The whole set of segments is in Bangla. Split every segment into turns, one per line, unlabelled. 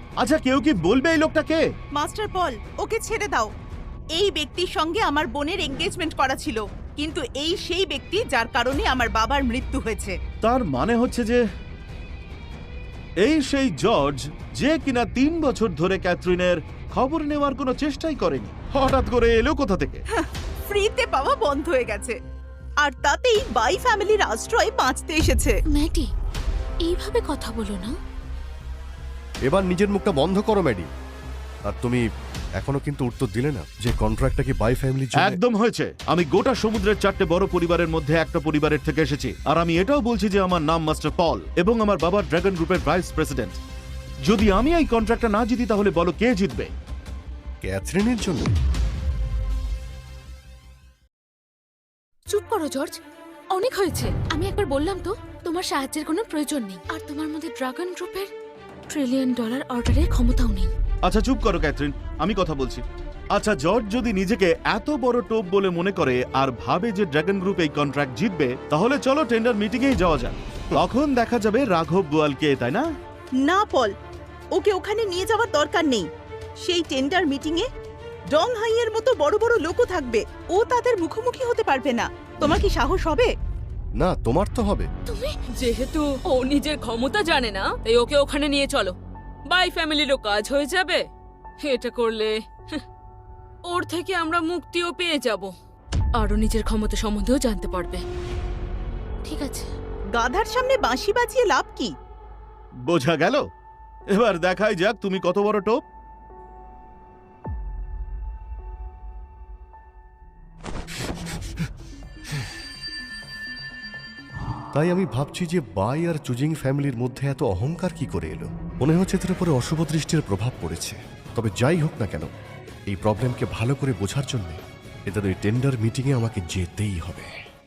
আচ্ছা কেউ কি বলবে এই লোকটা কে?
মাস্টার পল, ওকে ছেড়ে দাও। এই ব্যক্তির সঙ্গে আমার বোনের এনগেজমেন্ট করা ছিল, কিন্তু এই সেই ব্যক্তি যার কারণে আমার বাবার মৃত্যু হয়েছে।
তার মানে হচ্ছে যে এই সেই জর্জ যে কিনা 3 বছর ধরে ক্যাথরিনের খবর নেওয়ার কোনো চেষ্টাই করেনি, হঠাৎ করে এলো কোথা থেকে?
ফ্রিতে পাওয়া বন্ধ হয়ে গেছে, আর তাতেই বাই ফ্যামিলির আশ্রয় বাঁচতে এসেছে।
ম্যাডি, এইভাবে কথা বলো না।
এবার নিজের মুখটা বন্ধ করো ম্যাডি। আর তুমি এখনো কিন্তু উত্তর দিলে না যে কন্ট্রাক্টটা কি বাই ফ্যামিলির জন্য।
একদম হয়েছে। আমি গোটা সমুদ্রের 4টে বড় পরিবারের মধ্যে একটা পরিবারের থেকে এসেছি, আর আমি এটাও বলছি যে আমার নাম মাস্টার পল এবং আমার বাবা ড্রাগন গ্রুপের ভাইস প্রেসিডেন্ট। যদি আমি এই কন্ট্রাক্টটা না জিতি তাহলে বলো কে জিতবে?
ক্যাথরিনের জন্য?
চুপ করো জর্জ, অনেক হয়েছে। আমি একবার বললাম তো তোমার সাহায্যের কোনো প্রয়োজন নেই, আর তোমার মধ্যে ড্রাগন গ্রুপের $1 ট্রিলিয়ন অর্ডারের ক্ষমতাও নেই।
আচ্ছা চুপ করো ক্যাথরিন, আমি কথা বলছি। আচ্ছা জর্জ যদি নিজেকে এত বড় টোপ বলে মনে করে আর ভাবে যে ড্রাগন গ্রুপ এই কন্ট্রাক্ট জিতবে, তাহলে চলো টেন্ডার মিটিংয়েই যাওয়া যাক। তখন দেখা যাবে রাঘব বোয়ালকে, তাই না?
না পল, ওকে ওখানে নিয়ে যাওয়ার দরকার নেই। সেই টেন্ডার মিটিংয়ে ডং হাইয়ের মতো বড় বড় লোকও থাকবে, ও তাদের মুখোমুখি হতে পারবে না। তোমার কি সাহস হবে?
না, তোমার তো হবে।
তুমি
যেহেতু ও নিজের ক্ষমতা জানে না, তাই ওকে ওখানে নিয়ে চলো। বাই ফ্যামিলিরও কাজ হয়ে যাবে। এটা করলে ওর থেকে আমরা মুক্তিও পেয়ে যাব, আরও নিজের ক্ষমতা সম্বন্ধেও জানতে পারবে।
ঠিক আছে।
গাধার সামনে বাঁশি বাজিয়ে লাভ কি?
বোঝা গেল। এবার দেখাই যাক তুমি কত বড় টোপ।
তাই আমি ভাবছি যে বাই আর চুজিং ফ্যামিলির মধ্যে এত অহংকার কি করে এলো। মনে হচ্ছে এদের উপরে অশুভ দৃষ্টির প্রভাব পড়েছে। তবে যাই হোক না কেন, এই প্রবলেমকে ভালো করে বোঝার জন্য এদের ওই টেন্ডার মিটিংয়ে আমাকে যেতেই হবে।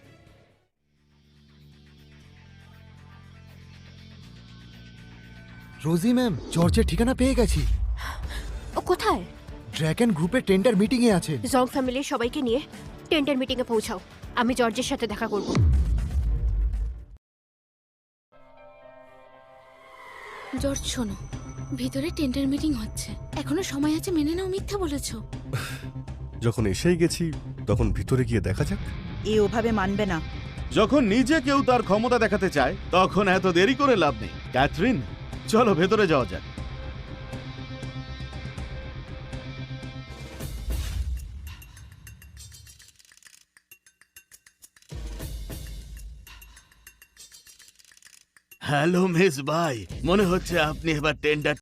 রোজি ম্যাম, জর্জের ঠিকানা পেয়ে গেছি।
ও কোথায়?
ড্র্যাগন গ্রুপের টেন্ডার মিটিংয়ে আছে।
জং ফ্যামিলির সবাইকে নিয়ে টেন্ডার মিটিংয়ে পৌঁছাও। আমি জর্জের সাথে দেখা করব।
জর্জ শোনো, ভিতরে টেন্ডার মিটিং হচ্ছে, এখনো সময় আছে, মেনে নাও মিথ্যা বলেছো।
যখন এসেই গেছি তখন ভিতরে গিয়ে দেখা যাক।
এ ওভাবে মানবে না।
যখন নিজে কেউ তার ক্ষমতা দেখাতে চায় তখন এত দেরি করে লাভ নেই। ক্যাথরিন, চলো ভেতরে যাওয়া যাক। হ্যালো মিস বাই, মনে হচ্ছে আপনি এবার টেন্ডার